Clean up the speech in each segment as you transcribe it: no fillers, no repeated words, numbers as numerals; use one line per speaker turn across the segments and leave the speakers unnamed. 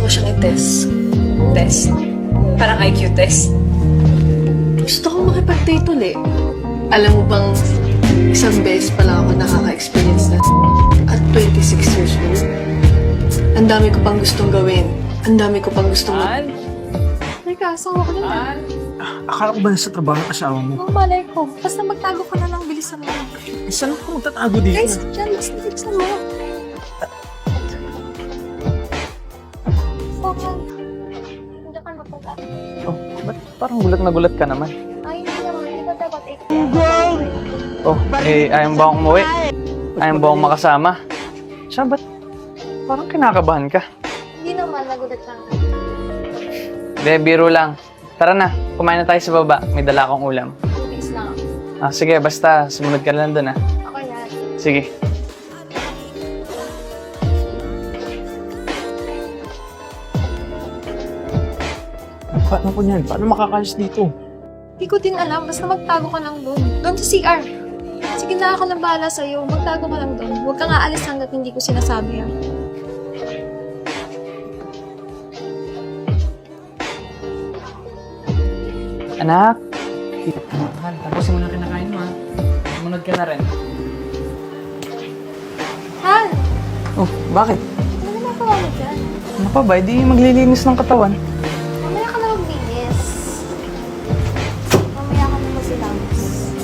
ko siyang i-test. Test? Parang IQ test. Gusto ko makipag-date ulit. Alam mo bang isang beses pa lang ako nakaka-experience na at 26 years old. Ang dami ko pang gustong gawin. Ang dami ko pang gustong Teka, asawa ko na.
Akala ko ba nasa trabaho ang asawa mo?
Ang malay ko. Basta magtago ka na lang, bilisan mo.
Saan ako magtatago dito?
Guys, dyan, basta bilisan mo. Sokan. Hindi ka napag
Oh, ba't parang gulat na gulat ka naman?
Ay, hindi naman. Hindi ka dapat
Oh, ayaw ba akong umuwi? Ayaw ba akong makasama? Siya, ba't parang kinakabahan ka?
Hindi naman, nagulat lang.
Hindi, biro lang. Tara na, kumain na tayo sa baba. May dala akong ulam.
Please lang.
Sige, basta sumunod ka lang doon,
Okay na.
Sige.
Paano ko niyan? Paano makakalis dito?
Hindi ko din alam. Basta magtago ka lang doon. Doon sa CR. Sige na, ako na bahala sa'yo. Magtago ka lang doon. Huwag kang aalis hanggat hindi ko sinasabi, ah.
Anak! Mahal, tapusin mo na kinakain mo, Sumunod ka na rin.
Han!
Oh, bakit?
Ano ginagawa mo dyan?
Ano pa ba? Di maglilinis ng katawan.
Mamaya ka na maglinis. Mamaya ka na magsilangis.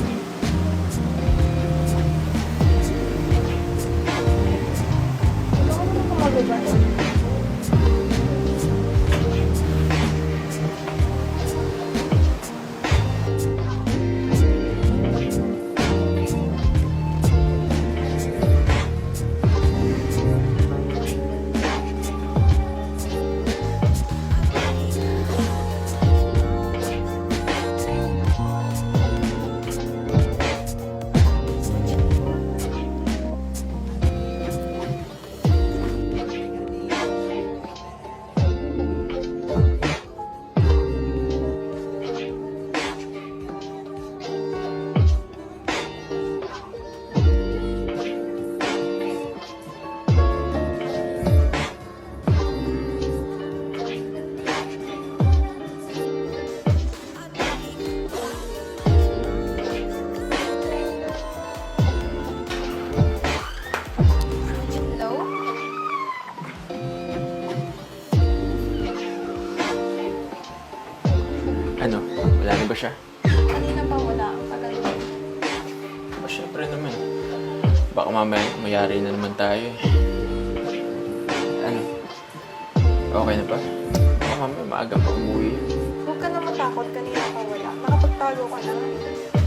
Ikaw ka naman kumagagal. Hello?
Ano? Wala na ba siya?
Kanina pa wala. Ang tagal mo.
Siyempre naman. Baka mamaya mayari na naman tayo eh. Ano? Okay na ba? Baka mamaya maaga pa umuwi.
Huwag ka na matakot. Kanina pa wala. Nakapagtago ka na.